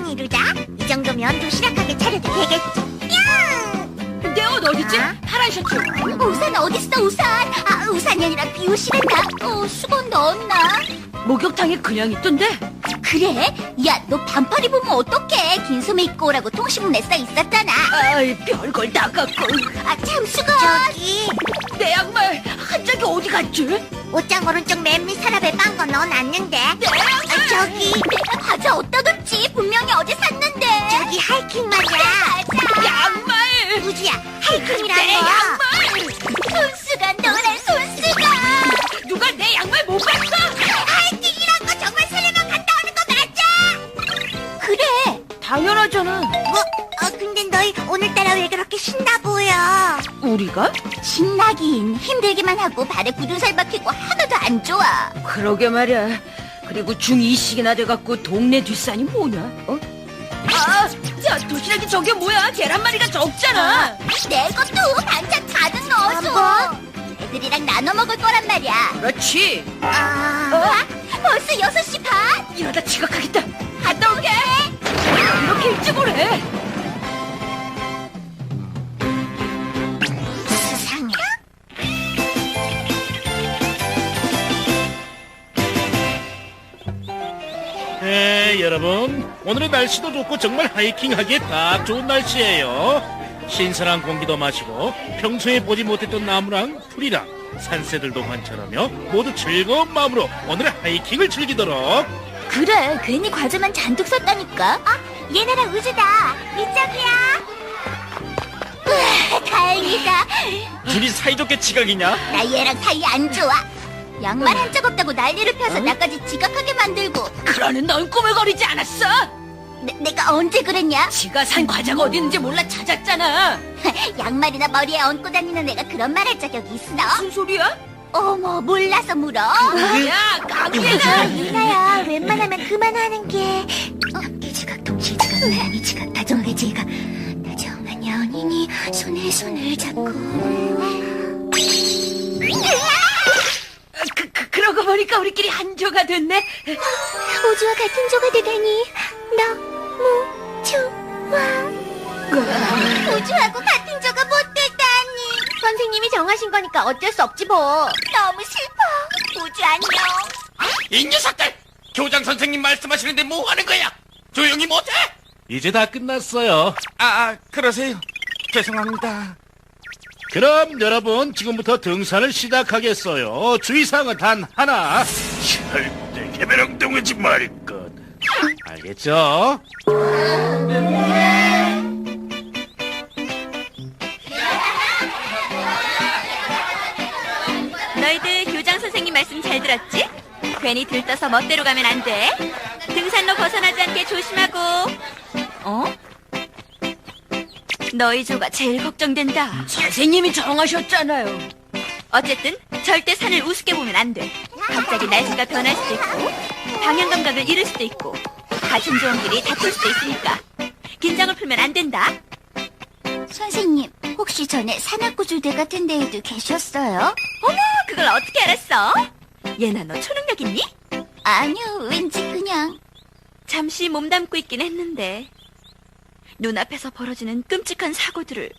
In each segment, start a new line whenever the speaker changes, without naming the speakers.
안녕 이루자. 이 정도면 도시락하게 차려도 되겠지. 야!
내 옷 어딨지?
아?
파란 셔츠.
우산 어딨어 우산? 아 우산이 아니라 비옷이란다. 수건 넣었나?
목욕탕에 그냥 있던데.
그래? 야 너 반팔 입으면 어떡해? 긴 소매 입고 오라고 통신문에 써 있었잖아.
아이, 별걸 다 갖고.
참 수건. 저기
내 양말 한 짝이 어디 갔지?
옷장 오른쪽 맨 밑 서랍에 빵 거 넣어놨는데. 저기 내가 과자 어디다 뒀지? 분명히 어제 샀는데. 저기 하이킹 말이야.
양말.
우지야 하이킹이라고.
내 양말.
손수건 노란 손수건.
누가 내 양말 못 봤어?
하이킹이란 거 정말 설레만 갔다 오는 거 맞아? 그래.
당연하잖아.
뭐? 근데 너희 오늘따라 왜 그렇게 신나 보여?
우리가?
신나긴 힘들기만 하고 발에 굳은 살 박히고 하나도 안 좋아.
그러게 말이야. 그리고 중2씩이나 돼갖고 동네 뒷산이 뭐냐? 어? 아, 야, 도시락이 저게 뭐야? 계란말이가 적잖아.
내 것도 반찬 가득 넣어줘. 애들이랑 나눠 먹을 거란 말이야.
그렇지.
벌써 6시 반?
이러다 지각하겠다. 갔다 올게. 이렇게 일찍 오래.
수상해.
여러분, 오늘의 날씨도 좋고 정말 하이킹하기에 딱 좋은 날씨예요. 신선한 공기도 마시고 평소에 보지 못했던 나무랑 풀이랑 산새들도 관찰하며 모두 즐거운 마음으로 오늘의 하이킹을 즐기도록.
그래, 괜히 과자만 잔뜩 샀다니까. 얘네랑 우주다. 이쪽이야. 다행이다.
둘이 사이좋게 지각이냐?
나 얘랑 사이 안 좋아. 양말 한 짝 없다고 난리를 펴서 나까지 지각하게 만들고.
그러는 넌 꾸물거리지 않았어?
내가 언제 그랬냐?
지가 산 과자가 어디 있는지 몰라 찾았잖아.
양말이나 머리에 얹고 다니는 애가 그런 말 할 자격이 있어?
무슨 소리야?
어머, 몰라서 물어.
야, 깡패가.
유나야, 웬만하면 그만하는 게. 함께 지각, 동시에 지각, 나란히 지각, 다정하게 지각. 다정한 연인이 손에 손을 잡고.
그러고 보니까 우리끼리 한 조가 됐네.
우주와 같은 조가 되다니 너무 좋아. 우주하고 같은 조가 못 되다니. 선생님이 정하신 거니까 어쩔 수 없지 뭐. 너무 슬퍼. 우주 안녕.
이 녀석들! 교장 선생님 말씀하시는데 뭐 하는 거야? 조용히 못해?
이제 다 끝났어요.
그러세요. 죄송합니다.
그럼 여러분, 지금부터 등산을 시작하겠어요. 주의사항은 단 하나. 절대 개배령동하지 말 것. 알겠죠?
너희들 교장 선생님 말씀 잘 들었지? 괜히 들떠서 멋대로 가면 안 돼. 등산로 벗어나지 않게 조심하고. 어? 너희 조가 제일 걱정된다.
선생님이 정하셨잖아요.
어쨌든 절대 산을 우습게 보면 안 돼. 갑자기 날씨가 변할 수도 있고 방향 감각을 잃을 수도 있고 같은 조원끼리 다툴 수도 있으니까 긴장을 풀면 안 된다.
선생님, 혹시 전에 산악구조대 같은 데에도 계셨어요?
어머, 그걸 어떻게 알았어? 얘나 너 초능력 있니?
아니요, 왠지 그냥.
잠시 몸담고 있긴 했는데 눈앞에서 벌어지는 끔찍한 사고들을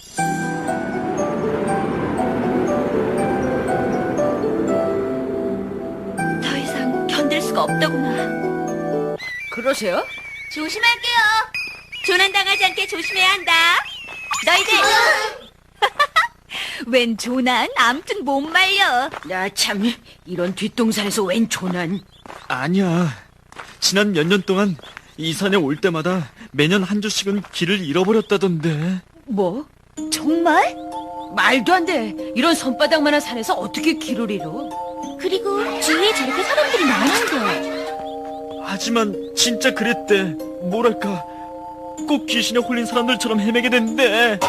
더 이상 견딜 수가 없더구나.
그러세요?
조심할게요. 조난당하지 않게 조심해야 한다. 너희들 웬 조난? 암튼 못 말려.
야, 참, 이런 뒷동산에서 웬 조난.
아니야. 지난 몇 년 동안 이 산에 올 때마다 매년 한 주씩은 길을 잃어버렸다던데.
뭐?
정말?
말도 안 돼. 이런 손바닥만한 산에서 어떻게 길을 잃어?
그리고 주위에 저렇게 사람들이 많은데.
하지만 진짜 그랬대. 뭐랄까, 꼭 귀신에 홀린 사람들처럼 헤매게 된대.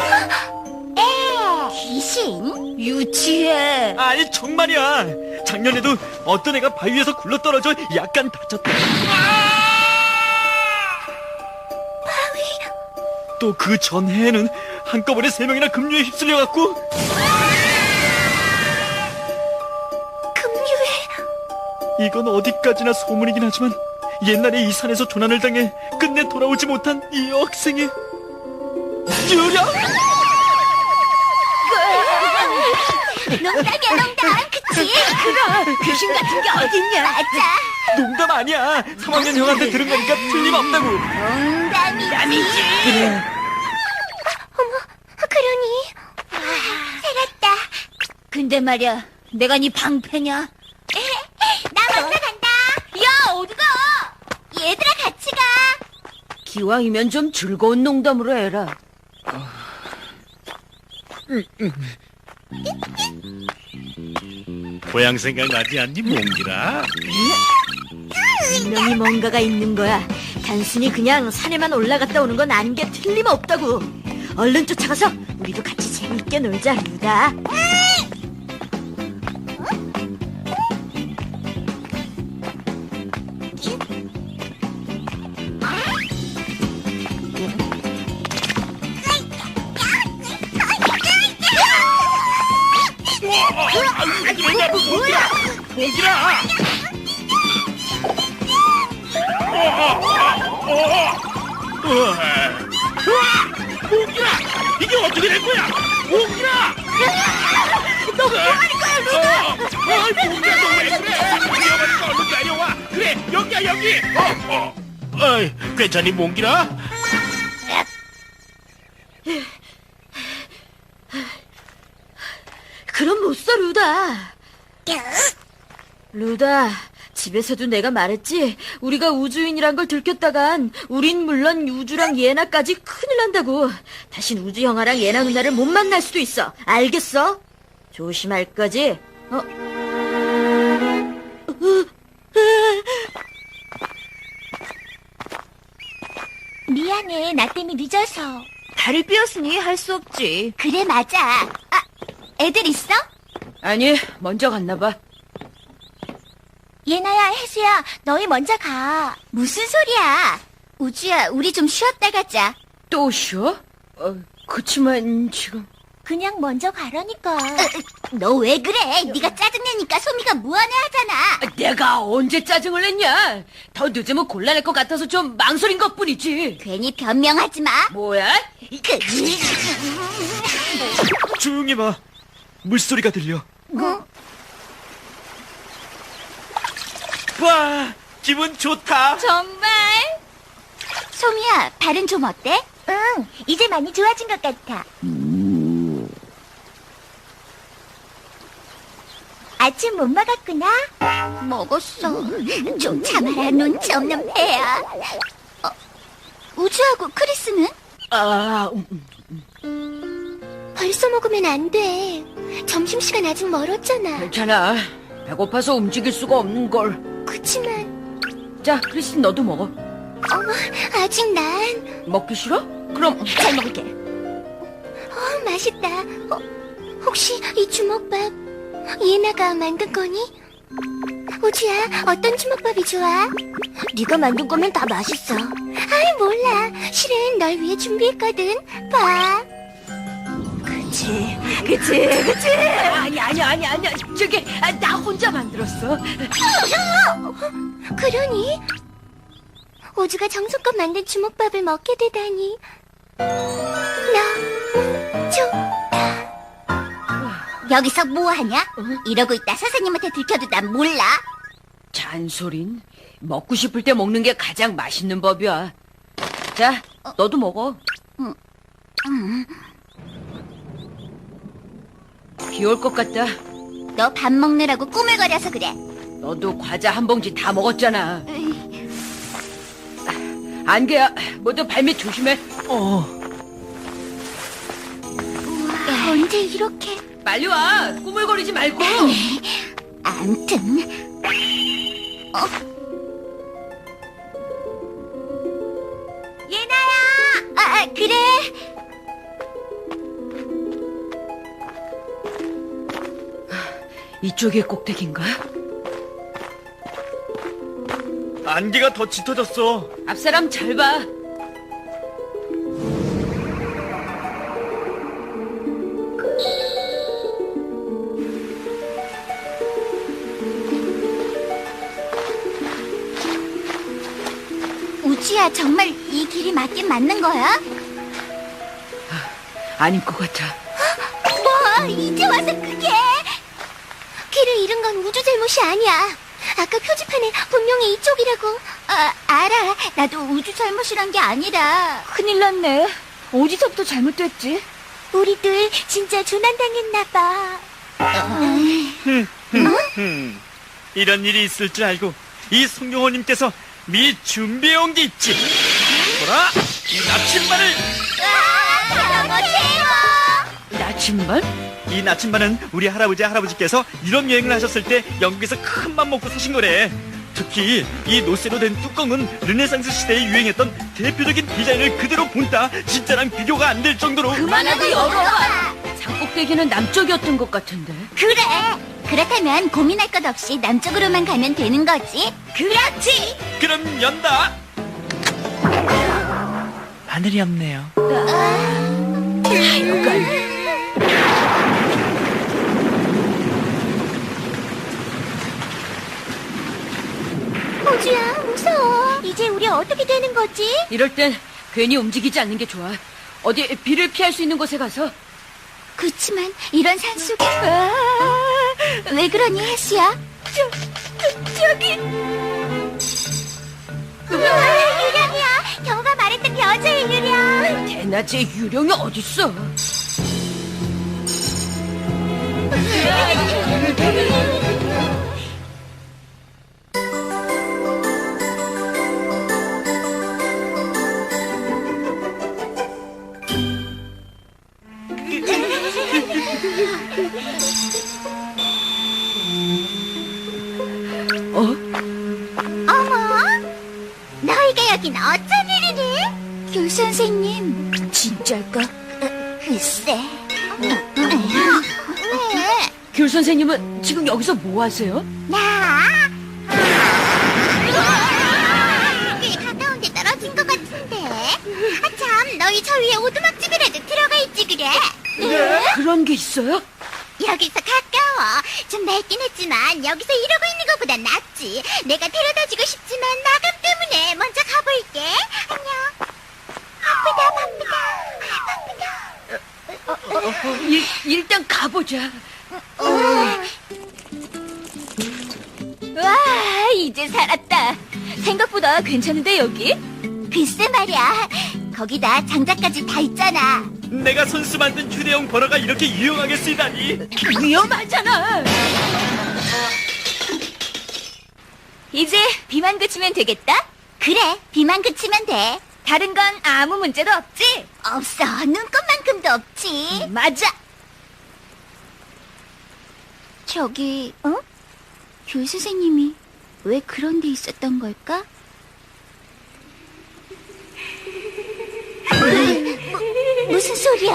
귀신?
유치해.
아니 정말이야. 작년에도 어떤 애가 바위에서 굴러떨어져 약간 다쳤대. 또 그 전해에는 한꺼번에 3명이나 급류에 휩쓸려갖고.
급류에?
이건 어디까지나 소문이긴 하지만 옛날에 이 산에서 조난을 당해 끝내 돌아오지 못한 이 여학생이 유령?
농담이야, 농담. 그치?
그럼 귀신 같은 게 어딨냐?
맞아.
농담 아니야. 3학년 형한테 들은 거니까 틀림없다고.
농담이지.
그래.
그러니. 살았다.
근데 말이야, 내가 네 방패냐?
나 먼저 간다.
야, 어디가?
얘들아, 같이 가.
기왕이면 좀 즐거운 농담으로 해라.
고향 생각나지 않니, 몽기라?
분명히 뭔가가 있는 거야. 단순히 그냥 산에만 올라갔다 오는 건 아닌 게 틀림없다고. 얼른 쫓아가서 우리도 같이 재밌게 놀자, 루다.
몽기라! 몽기라! 이게 어떻게 된 거야? 몽기라! 너 뭐하는 거야, 루다? 몽기라, 너 왜 그래? 위험하니까 얼른 내려와. 그래, 여기야, 여기. 어이, 괜찮니, 몽기라?
그럼 못 써, 루다. 루다, 집에서도 내가 말했지? 우리가 우주인이란 걸 들켰다간 우린 물론 우주랑 예나까지 큰일 난다고. 다신 우주 형아랑 예나 누나를 못 만날 수도 있어. 알겠어? 조심할 거지?
미안해, 나 때문에 늦어서.
다리 삐었으니 할 수 없지.
그래, 맞아. 아, 애들 있어?
아니, 먼저 갔나 봐.
예나야, 혜수야, 너희 먼저 가. 무슨 소리야? 우주야, 우리 좀 쉬었다 가자.
또 쉬어? 그치만 지금...
그냥 먼저 가라니까. 너 왜 그래? 네가 짜증내니까 소미가 무안해하잖아.
내가 언제 짜증을 냈냐? 더 늦으면 곤란할 것 같아서 좀 망설인 것뿐이지.
괜히 변명하지 마.
뭐야?
조용히 봐. 물소리가 들려. 와, 기분 좋다.
정말? 소미야, 발은 좀 어때? 응, 이제 많이 좋아진 것 같아. 아침 못 먹었구나? 먹었어. 좀 참아라, 눈치 없는 배야. 우주하고 크리스는? 벌써 먹으면 안 돼. 점심시간 아직 멀었잖아.
괜찮아. 배고파서 움직일 수가 없는 걸.
그치만,
자, 크리스틴 너도 먹어.
아직 난.
먹기 싫어? 그럼 잘 먹을게.
맛있다. 혹시 이 주먹밥 예나가 만든 거니? 우주야, 어떤 주먹밥이 좋아? 네가 만든 거면 다 맛있어. 아이, 몰라. 실은 널 위해 준비했거든. 봐.
그치. 아니야. 저기, 나 혼자 만들었어.
그러니? 우주가 정성껏 만든 주먹밥을 먹게 되다니. 너무 좋다. 여기서 뭐하냐? 이러고 있다 선생님한테 들켜도 난 몰라.
잔소린. 먹고 싶을 때 먹는 게 가장 맛있는 법이야. 자, 너도 먹어. 비 올 것 같다.
너 밥 먹느라고 꾸물거려서 그래.
너도 과자 한 봉지 다 먹었잖아. 안개야, 모두 발밑 조심해.
언제 이렇게.
빨리 와. 꾸물거리지 말고.
암튼. 예나야! 그래.
이쪽이 꼭대기인가?
안개가 더 짙어졌어.
앞사람 잘 봐.
호주야, 정말 이 길이 맞긴 맞는 거야?
아닌 것 같아.
뭐, 이제 와서 그게? 길을 잃은 건 우주 잘못이 아니야. 아까 표지판에 분명히 이쪽이라고. 알아. 나도 우주 잘못이란 게 아니라.
큰일 났네. 어디서부터 잘못됐지?
우리들 진짜 조난당했나 봐.
이런 일이 있을 줄 알고 이 송영호님께서 미리 준비해온 게 있지. 보라, 이 나침반을.
너무 최고!
나침반?
이 나침반은 우리 할아버지께서 유럽 여행을 하셨을 때 영국에서 큰 맘 먹고 사신 거래. 특히 이 노쇠로 된 뚜껑은 르네상스 시대에 유행했던 대표적인 디자인을 그대로 본따 진짜랑 비교가 안 될 정도로.
그만하고 열어봐. 장꼭대기는 남쪽이었던 것 같은데.
그래! 그렇다면 고민할 것 없이 남쪽으로만 가면 되는 거지? 그렇지!
그럼 연다. 바늘이 없네요.
하여간
호주야, 무서워. 이제 우리 어떻게 되는 거지?
이럴 땐 괜히 움직이지 않는 게 좋아. 어디 비를 피할 수 있는 곳에 가서.
그치만 이런 산속에 왜 그러니, 혜수야? 저기 우와, 유령이야. 경우가 말했던 여자의 유령.
대낮에 유령이 어딨어?
어머, 너희가 여긴 어쩐 일이니? 귤 선생님,
진짜일까?
글쎄. 왜?
귤 선생님은 지금 여기서 뭐 하세요?
나? 꽤 가까운 데 떨어진 것 같은데. 참, 너희 저 위에 오두막집이라도 들어가 있지 그래?
그런 게 있어요?
여기서 가까워. 좀 낡긴 했지만 여기서 이러고 있는 것보다 낫지. 내가 데려다주고 싶지만 나감 때문에 먼저 가볼게. 안녕. 바쁘다.
일단 가보자.
와, 이제 살았다. 생각보다 괜찮은데, 여기?
글쎄 말이야. 거기다 장작까지 다 있잖아.
내가 손수 만든 휴대용 버러가 이렇게 유용하게 쓰이다니.
위험하잖아.
이제 비만 그치면 되겠다?
그래, 비만 그치면 돼.
다른 건 아무 문제도 없지?
없어, 눈꽃만큼도 없지.
맞아.
저기, 귤 선생님이 왜 그런 데 있었던 걸까? 무슨 소리야?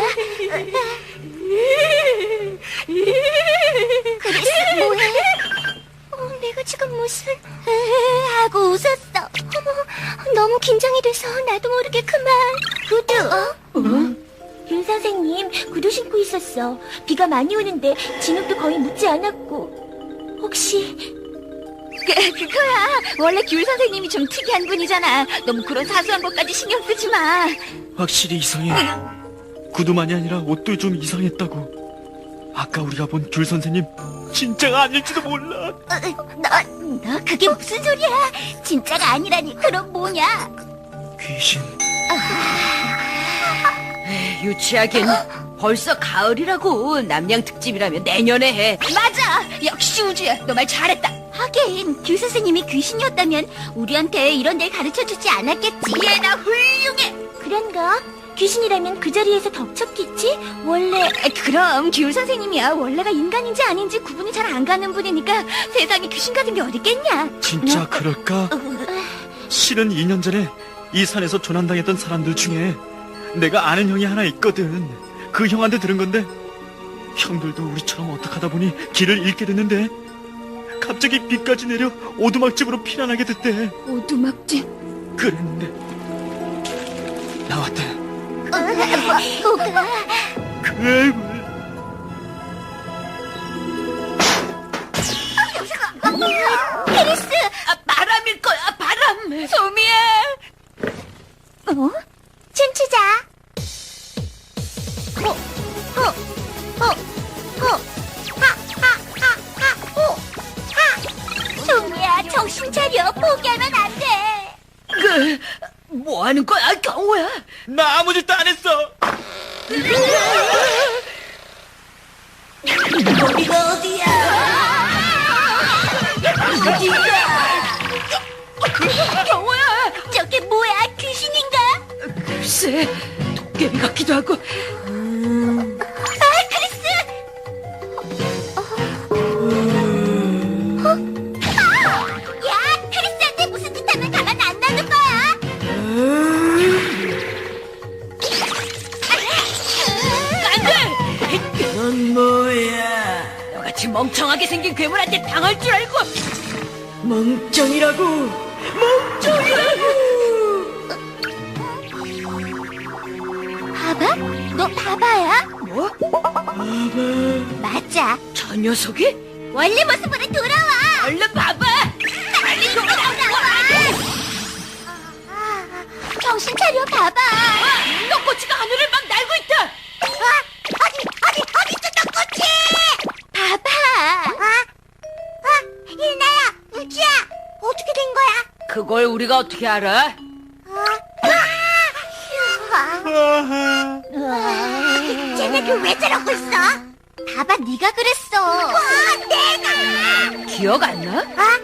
그래서 뭐해? 내가 지금 무슨... 하고 웃었어. 어머, 너무 긴장이 돼서 나도 모르게 그만. 구두. 귤 선생님, 구두 신고 있었어. 비가 많이 오는데 진흙도 거의 묻지 않았고. 혹시...
그거야. 원래 귤 선생님이 좀 특이한 분이잖아. 너무 그런 사소한 것까지 신경 쓰지 마.
확실히 이상해. 구두만이 아니라 옷도 좀 이상했다고. 아까 우리가 본 귤 선생님 진짜가 아닐지도 몰라.
너 그게 무슨 소리야? 진짜가 아니라니. 그럼 뭐냐?
귀신.
유치하긴. 벌써 가을이라고. 남양 특집이라면 내년에 해.
맞아. 역시 우주야. 너 말 잘했다.
하긴 귤 선생님이 귀신이었다면 우리한테 이런 데 가르쳐주지 않았겠지.
얘나 훌륭해.
그런가? 귀신이라면 그 자리에서 덮쳤겠지? 원래...
그럼 귤 선생님이야. 원래가 인간인지 아닌지 구분이 잘 안 가는 분이니까 세상에 귀신 같은 게 어딨겠냐.
진짜 그럴까? 실은 2년 전에 이 산에서 조난당했던 사람들 중에 내가 아는 형이 하나 있거든. 그 형한테 들은 건데 형들도 우리처럼 어떡하다 보니 길을 잃게 됐는데 갑자기 비까지 내려 오두막집으로 피난하게 됐대.
오두막집.
그랬는데 나왔대.
뭐가?
괴물.
페리스!
바람일 거야, 바람.
소미야.
정신 차려. 포기하면 안 돼.
뭐 하는 거야, 경호야?
나 아무 짓도 안 했어.
어디가 어디야?
경호야!
저게 뭐야? 귀신인가?
글쎄, 도깨비 같기도 하고.
아, 크리스! 야, 크리스한테 무슨 짓 하면 가만 안 놔둘 거야!
넌 뭐야? 너같이 멍청하게 생긴 괴물한테 당할 줄 알고. 멍청이라고.
바바? 너 바바야?
뭐?
맞아.
저 녀석이?
원래 모습으로 돌아와!
얼른 봐봐.
빨리 돌아와! 정신 차려, 바바!
떡꼬치가 하늘을 막 날고 있다.
어디 있어, 떡꼬치! 바바! 일나야, 우주야! 어떻게 된 거야?
그걸 우리가 어떻게 알아?
쟤네들 왜 저러고 있어? 바바, 네가 그랬어. 내가!
기억 안 나?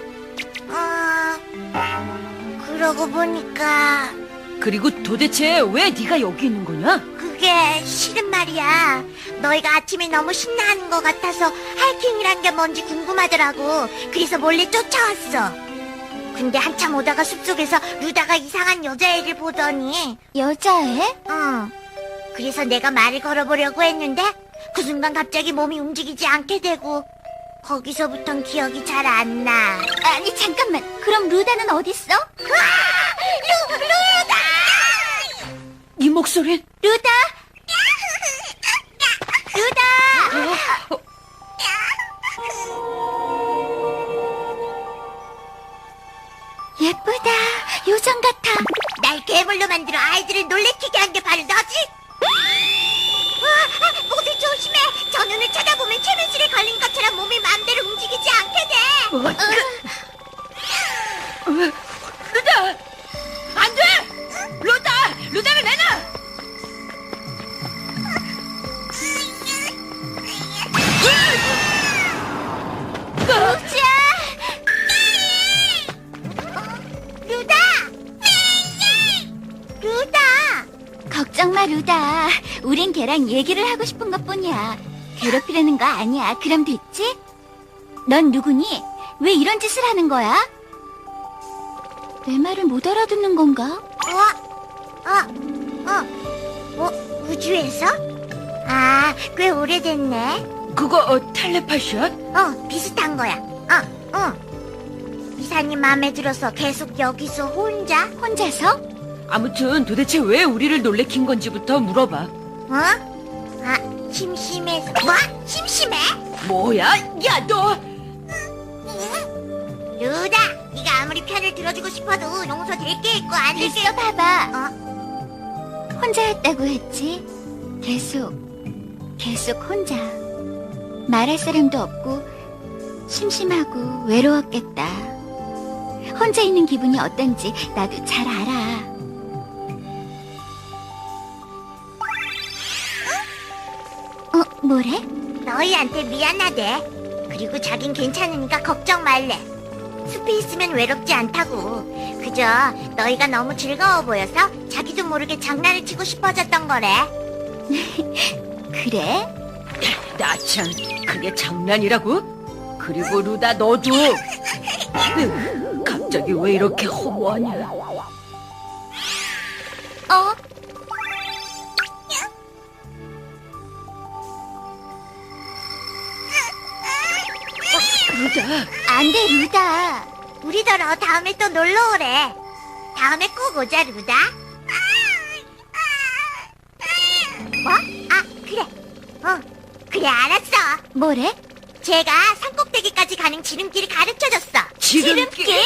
그러고 보니까
그리고 도대체 왜 네가 여기 있는 거냐?
그게 실은 말이야. 너희가 아침에 너무 신나하는 것 같아서 하이킹이란 게 뭔지 궁금하더라고. 그래서 몰래 쫓아왔어. 근데 한참 오다가 숲속에서 루다가 이상한 여자애를 보더니. 여자애? 응. 그래서 내가 말을 걸어보려고 했는데 그 순간 갑자기 몸이 움직이지 않게 되고 거기서부턴 기억이 잘 안 나. 아니 잠깐만. 그럼 루다는 어딨어? 루다!
이 목소린?
루다! 루다! 예쁘다. 요정 같아. 날 괴물로 만들어 아이들을 놀래키게 한 게 바로 너지? 모두 조심해. 저 눈을 쳐다보면 최면실에 걸린 것처럼 몸이 마음대로 움직이지 않게 돼.
루다! 안 돼! 루다! 루다를 내놔!
우주야! 루다! 루다! 걱정 마, 루다. 우린 걔랑 얘기를 하고 싶은 것뿐이야. 괴롭히려는 거 아니야. 그럼 됐지? 넌 누구니? 왜 이런 짓을 하는 거야? 내 말을 못 알아듣는 건가? 우주에서? 아, 꽤 오래됐네.
그거 텔레파시야?
비슷한 거야. 이사님 마음에 들어서 계속 여기서 혼자서?
아무튼 도대체 왜 우리를 놀래킨 건지부터 물어봐.
심심해서. 뭐? 심심해?
뭐야? 야, 너!
루다, 네가 아무리 편을 들어주고 싶어도 용서될 게 있고 안 될 게 있어. 봐봐. 혼자였다고 했지? 계속 혼자. 말할 사람도 없고 심심하고 외로웠겠다. 혼자 있는 기분이 어떤지 나도 잘 알아. 뭐래? 너희한테 미안하대. 그리고 자긴 괜찮으니까 걱정 말래. 숲에 있으면 외롭지 않다고. 그저 너희가 너무 즐거워 보여서 자기도 모르게 장난을 치고 싶어졌던 거래. 그래?
나 참, 그게 장난이라고? 그리고 루다, 너도! 갑자기 왜 이렇게 허무하냐? 루다.
안 돼, 루다. 우리더러 다음에 또 놀러 오래. 다음에 꼭 오자, 루다. 뭐? 그래. 그래, 알았어. 뭐래? 제가 산꼭대기까지 가는 지름길을 가르쳐줬어.
지름길?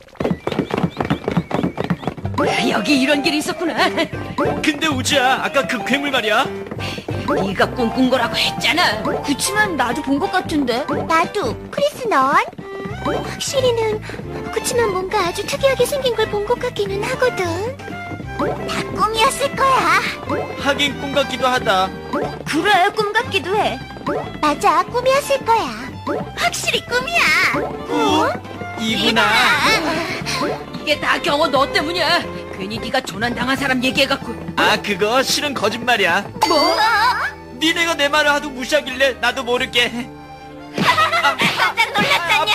여기 이런 길이 있었구나.
근데 우주야, 아까 그 괴물 말이야.
네가 꿈꾼 거라고 했잖아.
그치만 나도 본 것 같은데. 나도. 크리스, 넌? 확실히는 그치만 뭔가 아주 특이하게 생긴 걸 본 것 같기는 하거든. 다 꿈이었을 거야.
하긴 꿈 같기도 하다.
그래, 꿈 같기도 해.
맞아, 꿈이었을 거야. 확실히 꿈이야.
이구나.
이게 다 경호 너 때문이야. 괜히 네가 조난당한 사람 얘기해갖고.
아, 그거 실은 거짓말이야.
뭐?
니네가 내 말을 하도 무시하길래 나도 모르게.
깜짝 놀랐다냐?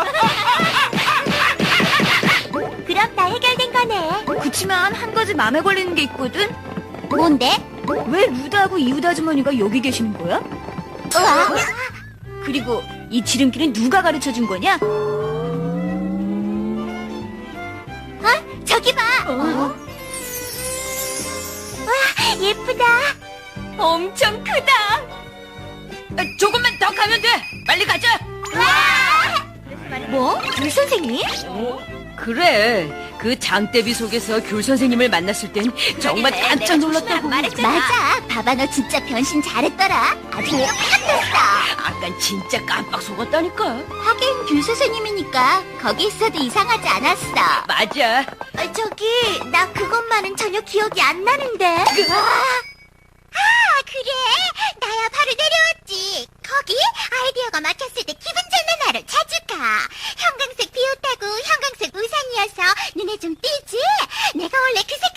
그럼 다 해결된 거네.
그치만 한 가지 마음에 걸리는 게 있거든?
뭔데?
왜 루다하고 이웃 아주머니가 여기 계시는 거야?
우와.
그리고 이 지름길은 누가 가르쳐 준 거냐?
저기 봐. 와, 예쁘다.
엄청 크다.
조금만 더 가면 돼. 빨리 가자.
뭐? 귤 선생님?
그래. 그 장대비 속에서 귤 선생님을 만났을 땐 정말 깜짝 놀랐다고.
맞아. 봐봐, 너 진짜 변신 잘했더라. 아주 똑같았어.
아깐 진짜 깜빡 속았다니까.
하긴 귤 선생님이니까 거기 있어도 이상하지 않았어.
맞아.
저기 나 그것만은 전혀 기억이 안 나는데. 아, 그래. 나야 바로 내려왔지. 거기 아이디어가 막혔을 때 기분 좋는 하루 자주 가. 형광색 비옷하고 형광색 우산이어서 눈에 좀 띄지? 내가 원래 그